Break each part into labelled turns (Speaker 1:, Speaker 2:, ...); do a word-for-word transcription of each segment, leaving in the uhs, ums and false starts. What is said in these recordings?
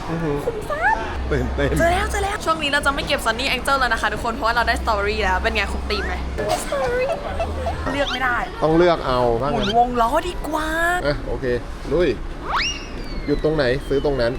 Speaker 1: คุ้มซับ
Speaker 2: ตื่นเต้น
Speaker 1: เจอแล้วเจอแล้วช่วงนี้เราจะไม่เก็บซันนี่แองเจิลแล้วนะคะทุกคนเพราะว่าเราได้สตรอเบอรี่แล้วเป็นไงคุ้มตีมไหมสตรอเบอรี่เลือกไม่ได้
Speaker 2: ต้องเลือกเอาบ้าง
Speaker 1: หมุน
Speaker 2: นะ
Speaker 1: วงล้อดีกว่า
Speaker 2: อ่ะโอเคลุยหยุดตรงไหนซื้อตรงนั้น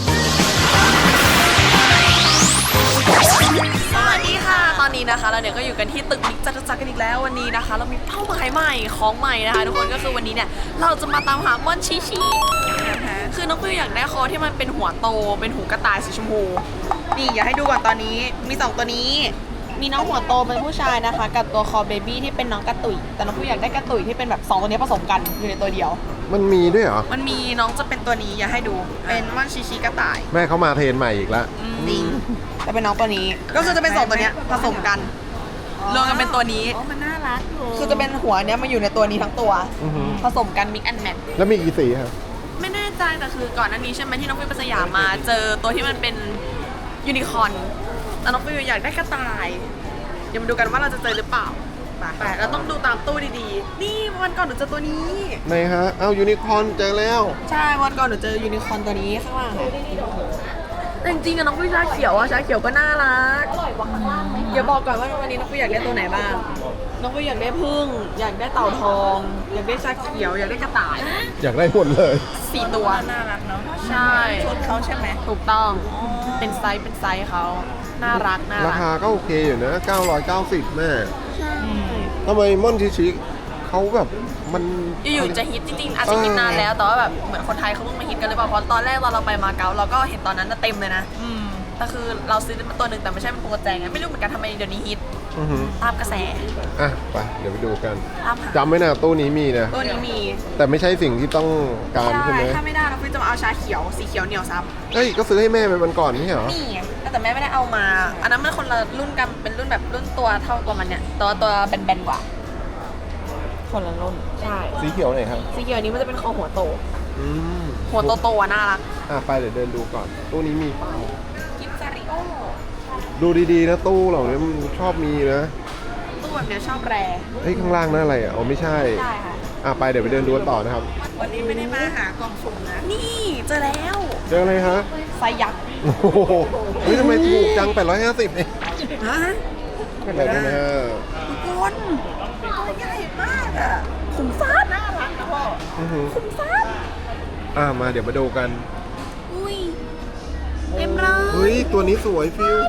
Speaker 1: สวัสดีค่ะตอนนี้นะคะเราเนี่ยก็อยู่กันที่ตึกมิกจตุจักรกันอีกแล้ววันนี้นะคะ เรามีเป้าหมายใหม่ของใหม่นะคะทุกคนก็คือวันนี้เนี่ยเราจะมาตามหาม่อนชิชิคือน้องฟิวอยากได้คอที่มันเป็นหัวโตเป็นหูกระต่ายสีชมพูนี่อยากให้ดูก่อนตอนนี้มีสองตัวนี้มีน้องหัวโตเป็นผู้ชายนะคะกับตัวคอเบบี้ที่เป็นน้องกระตุยแต่น้องฟิวอยากได้กระตุยที่เป็นแบบสองตัวนี้ผสมกันอยู่ในตัวเดียว
Speaker 2: มันมีด้วยเหรอ
Speaker 1: มันมีน้องจะเป็นตัวนี้อยากให้ดูเป็นม่อนชิชิกระต่าย
Speaker 2: แม่เขามาเทรนใหม่อีกแล้ว
Speaker 1: จริงแต่เป็นน้องตัวนี้ก็คือจะเป็นสองตัวเนี้ยผสมกันรวมกันเป็นตัวนี้
Speaker 3: อ๋อมันน่ารักอยู่
Speaker 1: คือจะเป็นหัวเนี้ยมาอยู่ในตัวนี้ทั้งตัว
Speaker 2: อือหือ
Speaker 1: ผสมกันมิกแอนด์แมท
Speaker 2: แล้วมีกี่สีครับ
Speaker 1: ไม่แน่ใจแต่คือก่อนหน้านี้ใช่ไหมที่น้องฟิวไปสยามมาเจอตัวที่มันเป็นยูนิคอร์นแต่น้องฟิวอยากได้กระต่ายเดี๋ยวมาดูกันว่าเราจะเจอหรือเปล่าไปเราต้องดูตามตู้ดีๆนี่วันก่อนหนูเจอตัวนี้
Speaker 2: ไหนฮะเอายูนิคอร์นเจอแล้ว
Speaker 1: ใช่วันก่อนหนูเจอยูนิคอร์นตัวนี้ข้างล่างค่ะแต่จริงๆอะน้องฟิวชาเขียวอะชาเขียวก็น่ารักอร่อยกว่าข้างล่างไหมเดี๋ยวบอกก่อนว่าวันนี้น้องฟิวอยากได้ตัวไหนบ้างน้องฟิวอยากได้ผึ้งอยากได้เต่าทองอยากได้ชาเขียวอยากได้กระต่าย
Speaker 2: อยากได้หมดเลย
Speaker 1: สี่ตัว
Speaker 3: น่ารักเนาะ
Speaker 1: ใช่
Speaker 3: ชุดเขาใช่ไหม
Speaker 1: ถูกต้องเป็นไซส์เป็นไซส์เขาน่ารักน่า
Speaker 2: รา
Speaker 1: รัก
Speaker 2: คาก็โอเคอยู่นะเก้าร้อยเก้าสิบแม่ทำไมม่อนชิชิเขาแบบมัน
Speaker 1: อยู่ๆจะฮิตจริงๆอาจจะฮิตนานแล้วแต่ว่าแบบเหมือนคนไทยเขาเพิ่งมาฮิตกันเลยเปล่าเพราะตอนแรกตอนเราไปมาเก๊าเราก็เห็นตอนนั้นน่ะเต็มเลยนะแต่คือเราซื้อเป็นตัวหนึ่งแต่ไม่ใช่เป็นพวงกระแจไงไม่รู้เหมือนกันทำไมเดี๋ยวนี้ฮิต
Speaker 2: อือหือ
Speaker 1: ตามกระแส
Speaker 2: อ่ะไปเดี๋ยวไปดูกัน
Speaker 1: ตามหา
Speaker 2: จำไว้นะตู้นี้มีนะ
Speaker 1: ตัวนี้มี
Speaker 2: แต่ไม่ใช่สิ่งที่ต้องการใช่ไหม
Speaker 1: ถ้าไม่ได้เราฟิวจะมาเอาชาเขียวสีเขียวเหนียวซับ
Speaker 2: เอ้ยก็ซื้อให้แม่ไปวันก่อนไม่ใช่เหรอ
Speaker 1: นี่ไงแต่แม่ไม่ได้เอามา อันนั้นมันคนละรุ่นกันเป็นรุ่นแบบรุ่นตัวเท่าตัวมันเนี่ยตัวตัวแบนๆกว่า
Speaker 3: คนละรุ่น
Speaker 1: ใช่
Speaker 2: สีเขียวไหนครับ
Speaker 1: สีเขียวนี้มันจะเป็นคอหัวโต
Speaker 2: อืม
Speaker 1: หัวโตๆอ่ะน่ารัก
Speaker 2: อ่ะไปเดี๋ยวเดินดูก่อน ตู้นี้มีเปล่า
Speaker 1: กิฟซาริโอ
Speaker 2: ดูดีๆนะตู้เหล่านี้มันชอบมีนะ
Speaker 1: ตู้แบบเนี้ยชอบแร
Speaker 2: เฮ้ยข้างล่างนั่นอะไรอ่ะอ๋อไม่ใช่
Speaker 1: ใช่ค่ะ
Speaker 2: อ่ะไปเดี๋ยวไปเดินดูกันต่อนะครับ
Speaker 3: วันนี้ไม่ได้มาหากล่องสุ่มนะ
Speaker 1: นี่เจอแล้ว
Speaker 2: เจออะไรฮะ
Speaker 1: ไซยักษ์
Speaker 2: โอ้โหเฮ้ยทำไมถูกจังแปดร้อยห้าสิบเอง
Speaker 1: ฮะ
Speaker 2: แปดร้อยห้าสิบ
Speaker 1: ทุกคนตัวใหญ่มากอ่ะขุมทรัพย์น่ารักนะพ่อ
Speaker 2: อือหือ
Speaker 1: ขุมทรัพย์
Speaker 2: อ่ะมาเดี๋ยวมาดูกัน
Speaker 1: อุ้ยเต็มเลย
Speaker 2: เฮ้ยตัวนี้สวยฟิว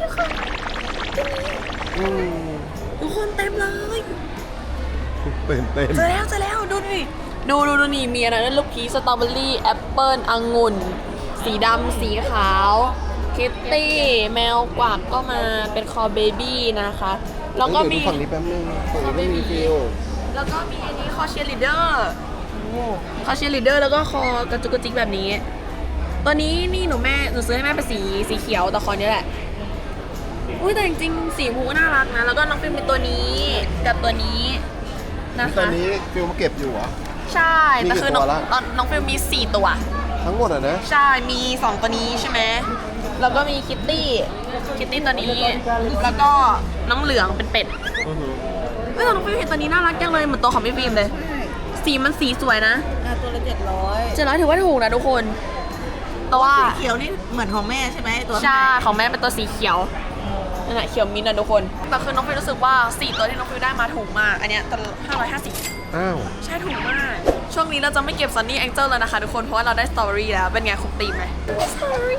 Speaker 2: อืม
Speaker 1: ทุกคนเต็มเลย
Speaker 2: ตื่นเต้น
Speaker 1: เจอแล้วเจอแล้วดูดิดูดูดูนี่มีอะไรนะลูกพีชสตรอเบอรี่แอปเปิ้ลองุ่นสีดำสีขาวคิตตี้แมวกวักก็มาเป็นคอเบบี้นะคะแล้วก็มี
Speaker 2: เดี๋ยดูฝั่งนี้แป๊บนึงฝั่งนี้ไม่มีฟิว
Speaker 1: แล้วก็มีอันนี้คอเชียร์ลีดเดอร์คอเชียร์ลีดเดอร์แล้วก็คอกระจุกกระจิกแบบนี้ตัวนี้นี่หนูแม่หนูซื้อให้แม่เป็นสีสีเขียวแต่คอนี้แหละอุ้ยแต่จริงๆสีมูน่ารักนะแล้วก็น้องฟิล์มเป็นตัวนี้กับตัวนี้นะคะ
Speaker 2: ตอนนี้ฟิวมาเก็บอยู่เหรอ
Speaker 1: ใช่แต่คือน้อง
Speaker 2: มีกี่ตัวละ
Speaker 1: ตอนน้องฟิล์มมีสี่ตัว
Speaker 2: ทั้งหมดอ่ะนะ
Speaker 1: ใช่ มีสองตัวนี้ใช่ไหม แล้วก็มีคิตตี้ คิตตี้ตัวนี้ แล้วก็น้องเหลืองเป็นเป็ด
Speaker 2: อือหือ
Speaker 1: เฮ้ยแต่น้องฟิล์มเห็นตัวนี้น่ารักจังเลยเหมือนตัวของพี่ฟิล์มเลย สีมันสีสวยนะ
Speaker 3: อ่ะตัวละเจ็ดร้อย
Speaker 1: เจ็ดร้อยถือว่าถูกนะทุกคนแต่ว่า
Speaker 3: สีเขียวนี่เหมือนของแม่ใช่ไหมตัว
Speaker 1: ใช่ของแม่เป็นตัวสีเขียวนั่นแหละเขียวมิ้นท์นะทุกคน แต่คือน้องฟิล์มรู้สึกว่าสี่ตัวที่น้องฟิล์มได้มาถูกมาก อันเนี้ยตัวห้าร้อยห้าสิบ
Speaker 2: อ้าว
Speaker 1: ใช่ถูกมาก ช่วงนี้เราจะไม่เก็บซันนี่แองเจิลแล้วนะคะทุกคน เพราะว่าเราได้สตรอเบอรี่แล้ว เป็นไงคุ้มตีมไหมสตรอเบอรี่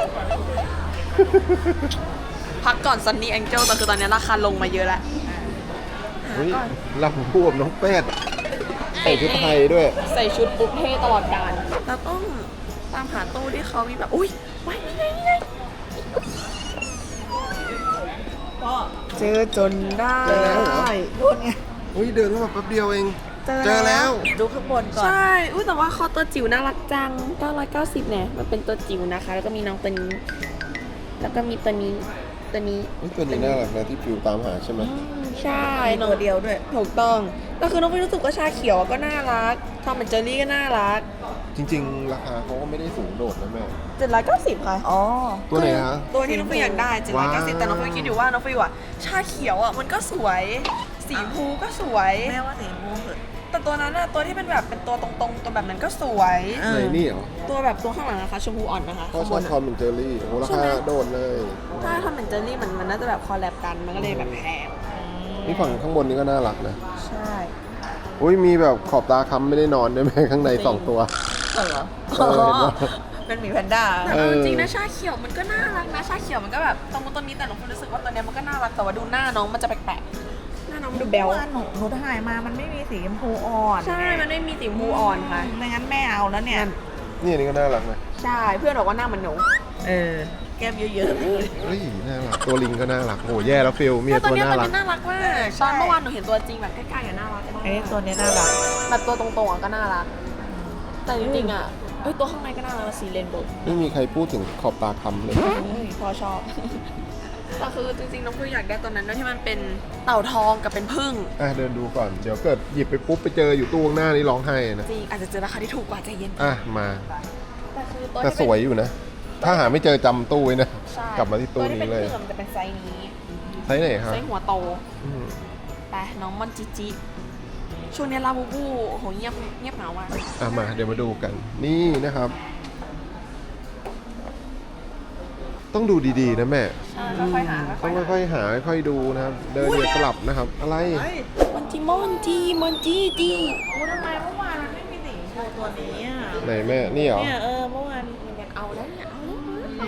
Speaker 1: พักก่อนซันนี่แองเจิลแต่คือตอนนี้ราคาลงมาเยอะแล้ว
Speaker 2: เฮ้ยลำพูบน้องแป้ดใส่ชุดไทยด้วย
Speaker 1: ใส่ชุดปุ๊บเท่ตลอดกาลเราต้องตามหาตู้ที่เขามีแบบ อุ้ยไว้นี่ไงนี่ไง
Speaker 3: พ่อ
Speaker 1: เจอจนได้
Speaker 2: เจอแล้วเหรอ
Speaker 3: รุ่นไง
Speaker 2: เฮ้ยเดินเข้ามาแป๊บเดียวเอง
Speaker 1: เจอ
Speaker 2: เจอแล้ว
Speaker 3: ดูข้างบนก่อน
Speaker 1: ใช่อุ้ยแต่ว่าคอตัวจิ๋วน่ารักจังเก้าร้อยเก้าสิบเนี่ยมันเป็นตัวจิ๋วนะคะ แล้วก็มีน้องตัวนี้ แล้วก็มีตัวนี้ ตัวนี้
Speaker 2: เฮ้ยตัวนี้น่ารักนะที่ฟิวตามหาใช่ไหม
Speaker 1: ใช่
Speaker 3: มีตัวเดียวด้วย
Speaker 1: ถูกต้องก็คือน้องฟิวรู้สึกว่าชาเขียวก็น่ารักทอมแอนด์เจอรี่ก็น่ารัก
Speaker 2: จริงๆ ราคาเขาก็ไม่ได้สูงโดดนะแม่
Speaker 1: เจ็ดร้อยเก้าสิบค่ะ
Speaker 3: อ๋อ
Speaker 2: ตัวไหนฮะ
Speaker 1: ตัวที่น้องฟิวอยากได้เจ็ดร้อยเก้าสิบ
Speaker 2: ว้าว
Speaker 1: แต่น้องฟิวคิดอยู่ว่าน้องฟิวอ่ะชาเขียวอ่ะมันก็สวย สีชมพูก็สวย
Speaker 3: แม่ว่าสีมูเหอะ
Speaker 1: แต่ตัวนั้นน่ะตัวที่เป็นแบบเป็นตัวตรงๆตัวแบบนั้นก็สวย
Speaker 3: เอ
Speaker 2: ไหน
Speaker 3: อ
Speaker 2: นี่เหรอ
Speaker 1: ตัวแบบตัวข้างหลังนะคะชมพูอ่อนนะคะ
Speaker 2: พ่อชอบทอมเป็นเจอรี่โอ้ราคาโดดเลย
Speaker 1: ถ้าทำเป็นเจอรี่มันมันน่าจะแบบคอลแลบกันมันก็เลยแบบแพง
Speaker 2: นี่ฝั่งข้างบนนี่ก็น่ารักนะ
Speaker 1: ใช่
Speaker 2: อุ้ยมีแบบขอบตาค้ำไม่ได้นอนด้วยไหมข้างในสองตัว
Speaker 3: เหรอ
Speaker 2: เออเห็นปะ
Speaker 3: เป็นหมีแพนด้า
Speaker 1: แต่
Speaker 2: เออ
Speaker 1: เอาจริงนะชาเขียวมันก็น่ารักนะชาเขียวมันก็แบบตรงนู้นตรงนี้แต่หนูรู้สึกว่าตัวเนี้ยมันก็น่ารักแต่ว่าดูหน้าน้องมันจะแปลกๆหน้าน้องมันดูเบล
Speaker 3: เมื่อวานหนูหนูถ่ายมามันไม่มีสีชมพูอ่อน
Speaker 1: ใช่มันไม่มีสีชมพูอ่อนค่ะ
Speaker 3: ไม่งั้นแม่เอาแล้วเนี่ย
Speaker 2: นี่อันนี้ก็น่ารักนะ
Speaker 1: ใช่เพื่อนบอกว่าหน้ามันหนู
Speaker 3: เออ แก้มเยอะๆเลย
Speaker 2: เฮ้ยน่ารักตัวลิงก็น่ารักโอ้แย่แล้วฟิลเมีย
Speaker 1: ตัว
Speaker 2: ตัว
Speaker 1: เนี้ย
Speaker 2: น่า
Speaker 1: ตัว
Speaker 2: รัก
Speaker 1: นี้น่ารักมากตอนเมื่อวานหนูเห็นตัวจริงแบบใกล้ๆอะน่ารักมาก
Speaker 3: ไอ้ตัวเนี้ยน่ารัก
Speaker 1: แบบตัวตรงๆอะก็น่ารักแต่จริงๆอะเอ้ยตัวข้างในก็น่ารักสีเรนโบว์
Speaker 2: ไม่มีใครพูดถึงขอบตาค้ำเลย
Speaker 1: พอชอบ แต่คือจริงๆน้องคุยอยากได้ตัวนั้นด้วยที่มันเป็นเต่าทองกับเป็นผึ้ง
Speaker 2: อ่ะเดินดูก่อนเดี๋ยวเกิดหยิบไปปุ๊บไปเจออยู่ตู้ข้างหน้านี่ร้องไห้นะ
Speaker 1: จริงอาจจะเจอราคาที่ถูกกว่าใจเย็น
Speaker 2: อ่ะมา
Speaker 1: แต่คือตัว
Speaker 2: แต่
Speaker 1: ที่
Speaker 2: ส
Speaker 1: เป็น
Speaker 2: วยอยู่นะ ถ้าหาไม่เจอจำตู้ไว้นะ
Speaker 1: ใช่
Speaker 2: กลับมาที่ตู้
Speaker 1: วที่
Speaker 2: นี้เลย
Speaker 1: ป็ผึ้งอะมันจะเป็นไซส์นี้
Speaker 2: ไซส์ไหนครับ
Speaker 1: ไซส์หัวโต
Speaker 2: อืม
Speaker 1: ไปน้องมอนจิจิช่วงนี้ลาบูบูโอ้โหเงียบเงียบเหงาอ่ะ
Speaker 2: อ่ะมาเดี๋ยวมาดูกัน นี่นะครับ ต้องดูดีๆนะแม่
Speaker 1: ใช่ค่อยๆหา
Speaker 2: ต้อง
Speaker 1: ค่อยๆหา
Speaker 2: ค่อยๆหาค่อยๆดูนะครับ เดินอย่าสลับนะครับ อะไร
Speaker 1: มอนจิมอนจิมอนจิจิ
Speaker 3: กูทำไมเมื่อวานมันไม่มีสีชมพูตัวนี้อ่ะ
Speaker 2: ไหนแม่นี่เหรอ
Speaker 3: เนี่ยเออเมื่อวาน
Speaker 1: อยากเอาแล้วเนี่ยเอาแล้ว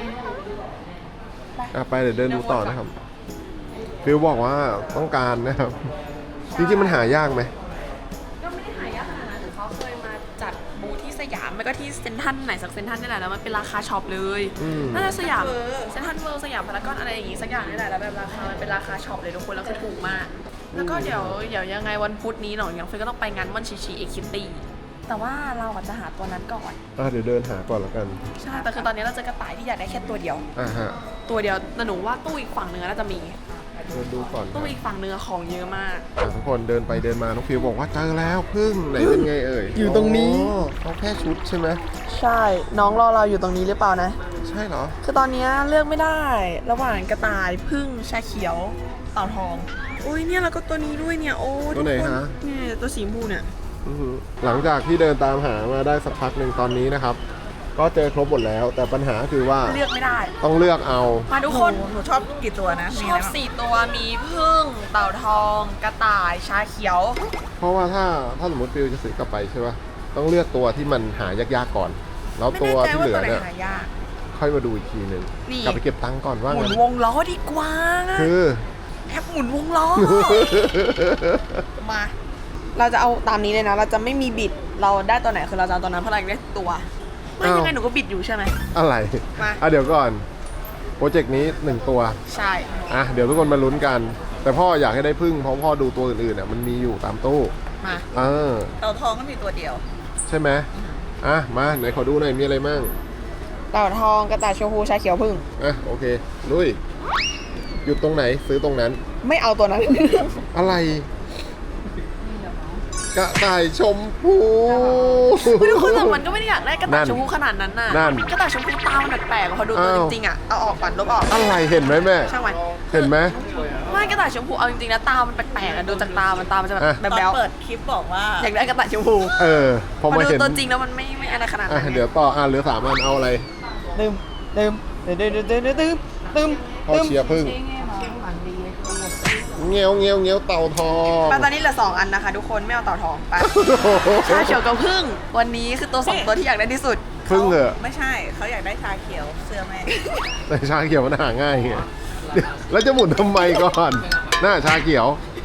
Speaker 2: อ่ะไปเดี๋ยวเดินดูต่อนะครับ ฟิลบอกว่าต้องการนะครับ จริงๆมันหายากไหม
Speaker 1: ก็ไม่ได้หายากขนาดนั้นแต่เขาเคยมาจัดบูธที่สยามไม่ก็ที่เซ็นทรัลไหนสักเซ็นทรัลนี่แหละแล้วมันเป็นราคาช็อปเลย
Speaker 2: อืม
Speaker 1: น่าจะสยามเซ็นทรัลเวิลด์สยามพารากอนอะไรอย่างงี้สักอย่างนี่แหละแล้วแบบราคามันเป็นราคาช็อปเลยทุกคนแล้วคือถูกมาก แล้วก็เดี๋ยวเดี๋ยวยังไงวันพุธนี้หนองยังเฟยก็ต้องไปงานมอนชิชิเอคิตี้แต่ว่าเราอาจจะหาตัวนั้นก่อน
Speaker 2: อ่ะเดี๋ยวเดินหาก่อนแล้วกัน
Speaker 1: ใช่แต่คือตอนนี้เราเจอกระต่ายที่อยากได้แค่ตัวเดียว
Speaker 2: อ่ะฮะ
Speaker 1: ตัวเดียวแต่หนูว่าตู้อีกฝั่งหนึ่งน่าจะมี
Speaker 2: เดินดูก่อนครั
Speaker 1: ตู้
Speaker 2: บ
Speaker 1: อีกฝั่งหนึ่งอะของเยอะมาก
Speaker 2: อ่ะทุกคนเดินไปเดินมาน้องฟิวบอกว่าเจอแล้วพึ่งไหนเป็นไงเอ่ย
Speaker 1: อยู่ตรงนี้
Speaker 2: อ๋อเขาแค่ชุดใช่ไหม
Speaker 1: ใช่น้องรอเราอยู่ตรงนี้หรือเปล่านะ
Speaker 2: ใช่เหรอ
Speaker 1: คือตอนนี้เลือกไม่ได้ ระหว่างกระต่ายพึ่งชาเขียวเต่าทองโอ้ยเนี่ยแล้วก็ตัวนี้ด้วยเนี่ยโอ้
Speaker 2: ตัวไหน
Speaker 1: ทุกค
Speaker 2: ฮะ
Speaker 1: เนี่ยตัวสีชมพูเนี่ย
Speaker 2: อือหือหลังจากที่เดินตามหามาได้สักพักหนึ่งตอนนี้นะครับ ก็เจอครบหมดแล้ว แต่ปัญหาคือว่า
Speaker 1: เลือกไม่ได้
Speaker 2: ต้องเลือกเอา
Speaker 1: มาทุก
Speaker 3: ห
Speaker 1: คน
Speaker 3: นูหนูชอบกี่ตัวนะ
Speaker 1: ช
Speaker 3: มี
Speaker 1: อ
Speaker 3: อะไร
Speaker 1: บ
Speaker 3: บ้าง
Speaker 1: สี่ตัวมีพึ่งเต่าทอง กระต่ายชาเขียว
Speaker 2: เพราะว่าถ้าถ้าสมมติฟิวจะซื้อกลับไปใช่ป่ะต้องเลือกตัวที่มันหายากๆก่อน แล้ว
Speaker 3: ไม่
Speaker 2: ตัว
Speaker 3: แน่ใจ
Speaker 2: ที่
Speaker 3: ว่า
Speaker 2: เหลื
Speaker 3: ตั
Speaker 2: อ
Speaker 3: วไหน
Speaker 2: เนี่ย
Speaker 3: หายาก
Speaker 2: ค่อยมาดูอีกทีหนึ่ง
Speaker 1: นี่
Speaker 2: กลับไปเก็บตังค์ก่อนว่า
Speaker 1: หมุ
Speaker 2: งั้
Speaker 1: น
Speaker 2: น
Speaker 1: วงล้อดีกว่า
Speaker 2: คือ
Speaker 1: แอปหมุนวงล้อ มา เราจะเอาตามนี้เลยนะ เราจะไม่มีบิด เราได้ตัวไหนคือเราจะเอาตัวนั้นเพราะเราอยากได้ตัว ไม่
Speaker 2: อ้าว
Speaker 1: ยังไงหนูก็บิดอยู่ใช่ไหม
Speaker 2: อะไร
Speaker 1: มา
Speaker 2: อ่ะเดี๋ยวก่อนโปรเจกต์นี้หนึ่งตัว
Speaker 1: ใช่
Speaker 2: อ่ะเดี๋ยวทุกคนมาลุ้นกัน แต่พ่ออยากให้ได้พึ่งเพราะพ่อดูตัวอื่นๆอ่ะมันมีอยู่ตามตู้
Speaker 1: มา
Speaker 2: เออ
Speaker 3: เต่าทองก็มีตัวเดียว
Speaker 2: ใช่ไหมอ่ะมาไหนขอดูหน่อยมีอะไรมั่ง
Speaker 1: เต่าทองกระต่ายชมพูชาเขียวพึ่ง
Speaker 2: อ่ะโอเคลุยหยุดตรงไหนซื้อตรงนั้น
Speaker 1: ไม่เอาตัวนั้น
Speaker 2: อะไรกระต่ายชมพู
Speaker 1: ไม่ทุกคนแต่มันก็ไม่ได้อยากได้กระต่าย
Speaker 2: นั่น
Speaker 1: ชมพูขนาดนั้นน่ะ
Speaker 2: นั่น
Speaker 1: กระต่ายชมพูตามันแปลกๆอะพอดูตัว
Speaker 2: อ้าว
Speaker 1: จริงๆอ่ะ เอาออกก่อนลบออก
Speaker 2: อะไรเห็นไหมแม่
Speaker 1: ช่างมัน
Speaker 2: เห็นไหม
Speaker 1: ไม่กระต่ายชมพูเอาจริงๆนะตามันแปลกๆอะดูจากตามันตามันจะแบบ
Speaker 2: อ่ะ
Speaker 3: ตอน
Speaker 1: แบ๊ว
Speaker 3: เปิดคลิปบอกว่า
Speaker 1: ๆอยากได้กระต่ายชมพู
Speaker 2: เออพ
Speaker 1: พ
Speaker 2: อ
Speaker 1: อ
Speaker 2: มา
Speaker 1: ดู
Speaker 2: เห็น
Speaker 1: ตัวจริงแล้วมันไม่ไม่อะไรขนาด
Speaker 2: อ่ะ
Speaker 1: นั้น
Speaker 2: เดี๋ยวต่ออ่ะเหลือสามอันเอาอะไร
Speaker 1: ลืมลืมลืมลืมลืมลืมลืมลืม
Speaker 2: พ่อเชียร์พึ่งเงี้ยวเงี้ยวเงี้ยวเต่าทอง
Speaker 1: ไปตอนนี้เหลือสองอันนะคะทุกคนไม่เอาเต่าทองไปชาเขียวกับพึ่งวันนี้คือตัวสองตัวที่อยากได้ที่สุด
Speaker 2: พึ่งเหรอ
Speaker 3: ไม่ใช่ เขาอยากได้ชาเขียวเสื้อแม่
Speaker 2: แต่ชาเขียวมันหาง่ายไงเดี๋ยวแล้วจะหมุนทำไมก่อนหน้าชาเขียว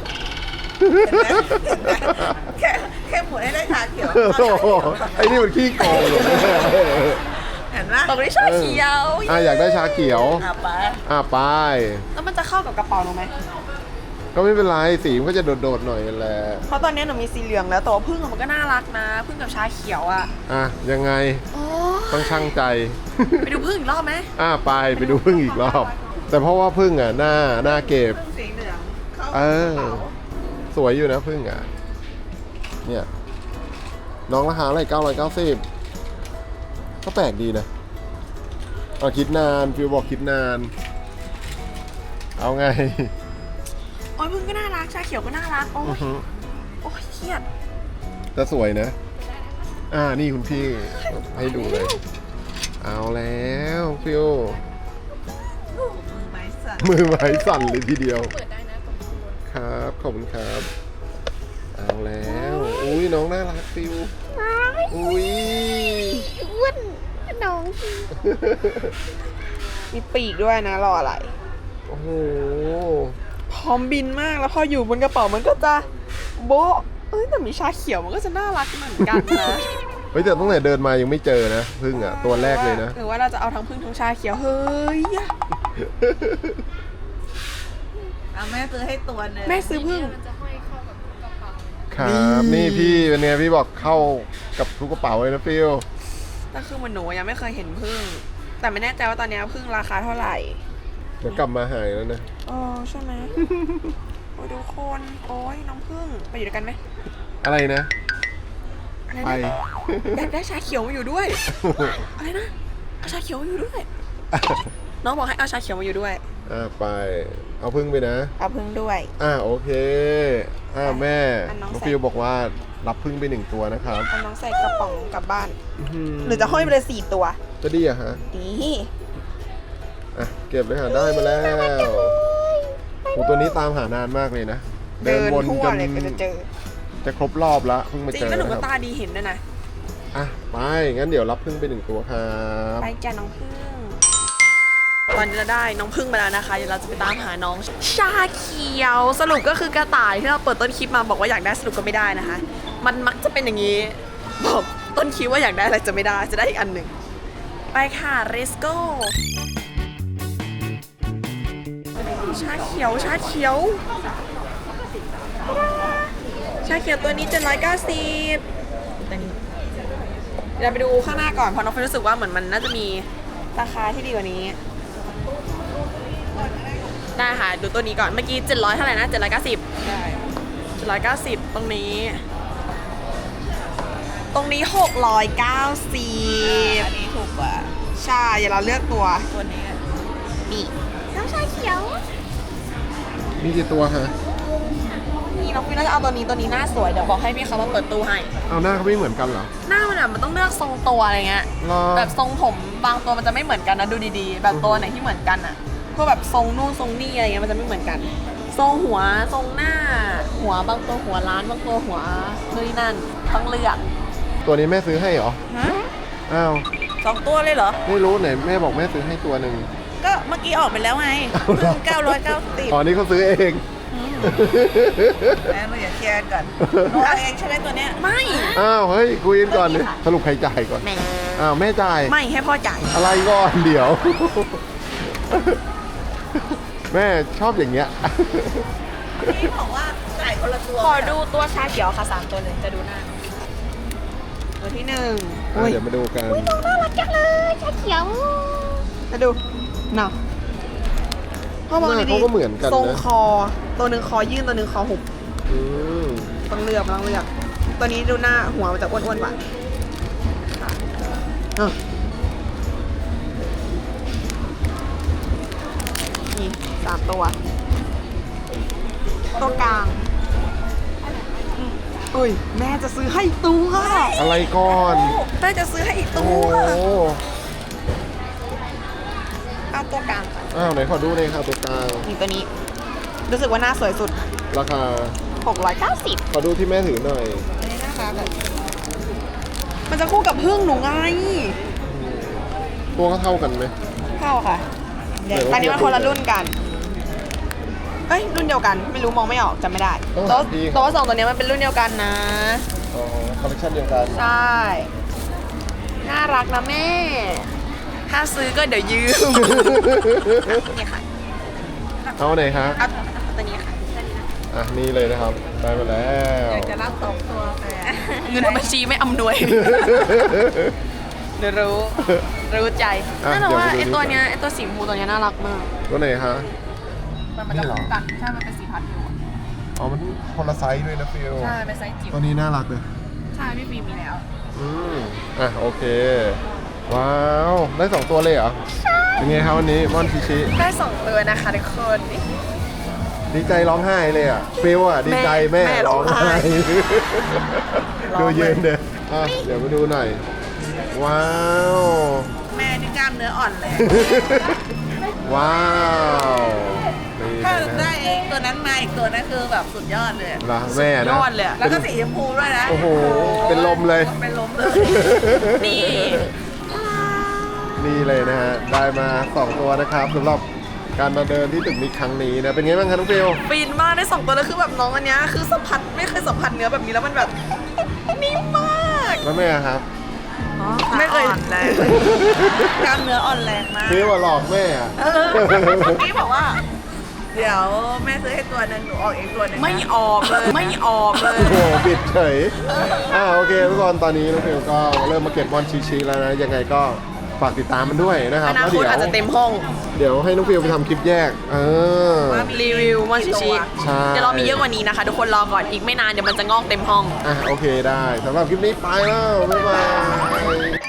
Speaker 3: แค่แค่หมุนให้ได้ชาเขียว
Speaker 2: โอ้โหไอ้นี่มันขี้โกงเลย
Speaker 3: เห็นไหม
Speaker 1: ตรงนี้ชาเขียว
Speaker 2: อ่ะอยากได้ชาเขียว
Speaker 3: อ่ะไป
Speaker 2: อ่ะไป
Speaker 1: แล้วมันจะเข้ากับกระเป๋าหนูไหม
Speaker 2: ก็ไม่เป็นไรสีมันก็จะโดดๆหน่อยแหละ
Speaker 1: เพราะตอนนี้หนูมีสีเหลืองแล้วแต่ว่าพึ่งอะมันก็น่ารักนะพึ่งกับชาเขียวอ่ะ
Speaker 2: อ่ะยังไง
Speaker 1: โอ้
Speaker 2: ต้องช่างใจ
Speaker 1: ไปดูพึ่งอีกรอบไหม
Speaker 2: อ่ะไปไปดูพึ่งอีกรอบ แต่เพราะว่าพึ่งอ่ะหน้าหน้าเก็บ
Speaker 3: พึ่งสีเหลืองเข้า
Speaker 2: เออ สวยอยู่นะพึ่งอ่ะ เนี่ย น้องราคาอะไรเก้าร้อยเก้าสิบก็แปลกดีนะเอาคิดนานฟิวบอกคิดนาน เอาไง
Speaker 1: โอ้ยพึ่งก็น่ารักชาเขียวก็น่ารักโอ้
Speaker 2: อื้
Speaker 1: ย
Speaker 2: อหือ
Speaker 1: โอ้ยเครียด
Speaker 2: แต่สวยนะ อ่านี่คุณพี่ให้ดูเลย เอาแล้วฟิว
Speaker 3: มือไม้สั่น
Speaker 2: มือไม้สั่นเลยทีเดียว
Speaker 1: เปิดได้นะตรงนู้น
Speaker 2: ครับขอบคุณครับ เอาแล้วอุ้ยน้องน่ารักฟิวอุ้ย
Speaker 1: อ้วนน้อง มีปีกด้วยนะรออะไร
Speaker 2: โอ้โห
Speaker 1: พร้อมบินมากแล้วพออยู่บนกระเป๋ามันก็จะโบ๊ะเอ้ยแต่มีชาเขียวมันก็จะน่ารักเหมือนกันนะ
Speaker 2: เฮ้ยแต่ตั้งแต่เดินมายังไม่เจอนะพึ่งอ่ะตัวแรกเลยนะ
Speaker 1: หรือว่าเราจะเอาทั้งพึ่งทั้งชาเขียวเฮ้ย
Speaker 3: เอาแม่ซื้อให้ตัวหนึง
Speaker 1: แม่ซื้อพึ่ง
Speaker 2: ครับนี่พี่เป็นไงพี่บอกเข้ากับทุกกระเป๋าเลยนะฟิว
Speaker 1: แต่คือเหมันหนูยังไม่เคยเห็นพึ่งแต่ไม่แน่ใจว่าตอนนี้พึ่งราคาเท่าไหร่
Speaker 2: เดี๋ยวกลับมาหายแล้วนะ
Speaker 1: อ๋อใช่ไหม โอ้ยทุกคนโอ้ยน้องพึ่งไปอยู่ด้วยกันไหม
Speaker 2: อะไรนะ
Speaker 1: อะไร
Speaker 2: ไป
Speaker 1: นะอยากได้ชาเขียวมาอยู่ด้วย อะไรนะเอาชาเขียวมาอยู่ด้วย น้องบอกให้เอาชาเขียวมาอยู่ด้วย
Speaker 2: อ่าไป เอาพึ่งไปนะ
Speaker 1: เอาพึ่งด้วย
Speaker 2: อ่าโอเค อ่าแม่
Speaker 1: อันน้อง
Speaker 2: น้อง
Speaker 1: ใส่
Speaker 2: ฟิวบอกว่ารับพึ่งไปหนึ่งตัวนะครับ
Speaker 1: เอาน้องใส่กระป๋องกลับบ้าน
Speaker 2: อื้อหื
Speaker 1: หรือจะห้อยไปเลยสี่ตัว
Speaker 2: จะดีอะฮะ
Speaker 1: ดี
Speaker 2: อ่ะเก็บเลยค่ะได้มาแล้วโหตัวนี้ตามหานานมากเลยนะ
Speaker 1: เดิน
Speaker 2: วน
Speaker 1: ทั่ว
Speaker 2: จน
Speaker 1: เลยก็จะเจอ
Speaker 2: จะครบรอบละเพิ่งมา
Speaker 1: จริ
Speaker 2: เจ
Speaker 1: ง
Speaker 2: อ
Speaker 1: แล้วหนูก็
Speaker 2: นะครับ
Speaker 1: ตาดีเห็นด้วยนะ
Speaker 2: อ่ะไปงั้นเดี๋ยวรับพึ่งไปหนึ่งตัวครับ
Speaker 1: ไปจ้ะน้องพึ่ง ตอนนี้เราได้น้องพึ่งมาแล้วนะคะ เดี๋ยวเราจะไปตามหาน้องชาเขียว สรุปก็คือกระต่ายที่เราเปิดต้นคลิปมาบอกว่าอยากได้สรุปก็ไม่ได้นะคะ มันมักจะเป็นอย่างนี้ บอกต้นคลิปว่าอยากได้อะไรจะไม่ได้ จะได้อีกอันหนึ่ง ไปค่ะ let's go ชาเขียว ชาเขียว ชาเขียวตัวนี้เจ็ดร้อยเก้าสิบเดี๋ยวเราไปดูข้างหน้าก่อน เพราะน้องเฟยรู้สึกว่าเหมือนมันน่าจะมีราคาที่ดีกว่านี้ ได้ค่ะ ดูตัวนี้ก่อน เมื่อกี้เจ็ดร้อยเท่าไหร่นะเจ็ดร้อยเก้าสิบ
Speaker 3: ได้
Speaker 1: เจ็ดร้อยเก้าสิบตรงนี้ ตรงนี้หกร้อยเก้าสิบ
Speaker 3: อันนี้ถูกกว่า
Speaker 1: ใช่เดี๋ยวเราเลือกตัว
Speaker 3: ตัวนี้
Speaker 1: นี่น้องชาเขียว
Speaker 2: มีกี่ตัวฮะ
Speaker 1: นี่น้องพี่น่าจะเอาตัวนี้ตัวนี้หน้าสวย เดี๋ยวบอกให้พี่เขามาเปิดตู้ให้
Speaker 2: เอาหน้าเขาไม่เหมือนกันเหรอ
Speaker 1: หน้ามันแบบมันต้องเลือกทรงตัวอะไรเงี้ย
Speaker 2: รอ
Speaker 1: แบบทรงผมบางตัวมันจะไม่เหมือนกันนะดูดีๆ แบบตัวไหนที่เหมือนกันอ่ะพวกแบบทรงนู่นทรงนี่อะไรเงี้ยมันจะไม่เหมือนกัน ทรงหัวทรงหน้า หัวบางตัวหัวล้านบางตัวหัวนู่นนี่นั่นต้องเลือก
Speaker 2: ตัวนี้แม่ซื้อให้เหรอ
Speaker 3: ฮะ
Speaker 2: อ้าว
Speaker 3: สองตัวเลยเหรอ
Speaker 2: ไม่รู้ไหนแม่บอกแม่ซื้อให้ตัวหนึ่ง
Speaker 3: ก็เมื่อกี้ออกไปแล้วไง
Speaker 2: เอาเหรอ
Speaker 3: เก้าร้อยเก้าสิบ
Speaker 2: อ๋อนี่เขาซื้อเอง
Speaker 3: แม่หนูอย่าเคลียร์กันก่อนหนูเอาเองใช่ไหมตัวเนี้ย
Speaker 1: ไม่
Speaker 2: อ้าวเฮ้ยคุยกันก่อนดิสรุปใครจ่ายก่อน
Speaker 1: แม่
Speaker 2: อ้าวแม่จ่าย
Speaker 1: ไม่ให้พ่อจ่าย
Speaker 2: อะไรก่อนเดี๋ยว แม่ชอบอย่างเงี้ย
Speaker 3: พี่บอกว่าจ่ายคนละตัว
Speaker 1: ขอดูตัวชาเขียวค่ะสามตัวเลยจะดูหน้าตัวที่หนึ่ง
Speaker 2: อ่ะเดี๋ยวมาดูกัน
Speaker 1: น่ารักจังเลยชาเขียวมาดูเนาะพ่อมอง
Speaker 2: หน้า
Speaker 1: ดี
Speaker 2: เขาก็เหมือนกัน
Speaker 1: ทรง
Speaker 2: นะ
Speaker 1: คอ ตัวหนึ่งคอยื่นตัวหนึ่งคอหุบ
Speaker 2: อืม
Speaker 1: ต้องเลือกต้องเลือก ตัวนี้ดูหน้าหัวมันจะอ้วนๆกว่าอ่ะนี่สามตัว ตัวกลางเอ้ย แม่จะซื้อให้อีกตัว
Speaker 2: อะไรก่อน
Speaker 1: แม่จะซื้อให้อีก
Speaker 2: โอ้
Speaker 1: ตั
Speaker 2: โห
Speaker 1: วเอาตัวกลางค่ะ
Speaker 2: อ้าวไหนขอดูเลยค่ะตัวกลาง
Speaker 1: นี่ตัวนี้ รู้สึกว่าหน้าสวยสุด
Speaker 2: ราคา
Speaker 1: หกร้อยเก้าสิบ
Speaker 2: ขอดูที่แม่ถือหน่อย
Speaker 1: อันนี้นะคะแบบมันจะคู่กับพึ่งหนูไง
Speaker 2: ตัวก็เท่ากันไหม
Speaker 1: เข้าค่ะ
Speaker 2: เดี๋ยว
Speaker 1: ตอนนี้มันคนละรุ่นกัน เอ้ย รุ่นเดียวกัน ไม่รู้มองไม่ออกจำไม่ได้
Speaker 2: ต้อง
Speaker 1: ตัว
Speaker 2: หาพี่
Speaker 1: ตัวสองตัวนี้มันเป็นรุ่นเดียวกันนะ
Speaker 2: อ๋อคอลเลคชันเดียวกัน
Speaker 1: ใช่ น่ารักนะแม่ ถ้าซื้อก็เดี๋ยวยืม นี่ค่ะ
Speaker 2: เอาไหนคะ
Speaker 1: เอาเอาตัวนี้ค่ะตัวนี้นะ
Speaker 2: อ่ะนี่เลยนะครับ ได้มาแล้ว
Speaker 3: อยากจะรับสองตัวแต่
Speaker 1: เงินในบัญชีไม่อำนวย เดี๋ยวรู้ รู้ใจ
Speaker 2: อ่ะ
Speaker 1: นั่นแหละว่า
Speaker 2: เดี๋
Speaker 1: ไอ
Speaker 2: ยวไปดู
Speaker 1: ตัวเนี้ยไอตัวสีชมพูตัวเนี้ยน่ารักมาก
Speaker 2: ตัวไหนคะ
Speaker 1: มันมันจะคู่กัน ใช่ มันเป็นสีพันธุ์อยู่
Speaker 2: อ๋อมันคนละไซส์ด้วยนะฟิล
Speaker 1: ใช่ เป็นไซส์จิ๋ว
Speaker 2: ตัวนี้น่ารักเลย
Speaker 1: ใช่พี่ฟิล์มมีแล้ว
Speaker 2: อืมอ่ะโอเค ว้าว ได้สองตัวเลยเหรอ ใช่ เป็นไงครับวันนี้ม่อนชิชิ
Speaker 1: ได้สองตัวนะคะทุกคน
Speaker 2: ดีใจร้องไห้เลยอ่ะฟิลอ่ะดีใจแม่
Speaker 1: แม่ร้
Speaker 2: ร้อ
Speaker 1: อง งไห้
Speaker 2: ไห้
Speaker 3: ร้อ
Speaker 2: ดู
Speaker 3: งเล
Speaker 2: ยื
Speaker 3: ย
Speaker 2: นเด้ออ่ะเดี๋ยวมาดูหน่อย ว้าว
Speaker 3: แม่นี่กล้ามเนื้ออ่อนเลย
Speaker 2: ว้าวนี่
Speaker 3: ถ้า
Speaker 2: นะ
Speaker 3: ได้เองตัวนั้นมาอีกตัวนั้นคือแบบสุดยอดเลย
Speaker 2: เหรอแม่
Speaker 1: ย
Speaker 2: นะ
Speaker 1: อดเลยอะ
Speaker 3: แล้วก็สีชมพูด้วยนะ
Speaker 2: โอ้โห เป็นลมเลย
Speaker 3: เป็นลมเลย
Speaker 1: นี่
Speaker 2: นี่เลยนะฮะ ได้มาสองตัวนะครับสำหรับการมาเดินที่ตึกมิกครั้งนี้นะ เป็นไงบ้างคะน้องฟิล
Speaker 1: ฟินมากได้สองตัวแล้วคือแบบน้องอันเนี้ยคือสัมผัสไม่เคยสัมผัสเนื้อแบบนี้แล้วมันแบบนิ่มมาก
Speaker 2: แล้วแม่ครับ
Speaker 1: ไม่เคย
Speaker 3: อ่อนแรงกล้ามเนื้ออ่อนแรงมาก
Speaker 2: ฟิลว่าหลอกแม่อะ
Speaker 3: เออเมื่อกี้บอกว่า เดี๋ยวแม่ซื้อให้ตัวหนึงหนูออกเองตัวหนึงนะ
Speaker 1: ไม่ออกเลยไม่ออกเลย
Speaker 2: โอ้โหบิดเฉย อ่าโอเคทุกคนตอนนี้น้องฟิลก็เริ่มมาเก็บบอลชีๆแล้วนะ ยังไงก็ฝากติดตามมันด้วยนะครั
Speaker 1: อบ นา
Speaker 2: แล้ว
Speaker 1: คต
Speaker 2: เดี๋ยว
Speaker 1: อาจจะเต็มห้อง
Speaker 2: เดี๋ยวให้น้องฟิลไปทำคลิปแยก เออ
Speaker 3: ว่ามี
Speaker 1: รีวิวมอนชิชิ
Speaker 2: ใช่
Speaker 1: เดี๋ยวเรามีเยอะกว่านี้นะคะ ทุกคนรอก่อนอีกไม่นานเดี๋ยวมันจะงอกเต็มห้อง
Speaker 2: อ่ะโอเคได้สำหรับคลิปนี้ไปแล้ว บ๊ายบาย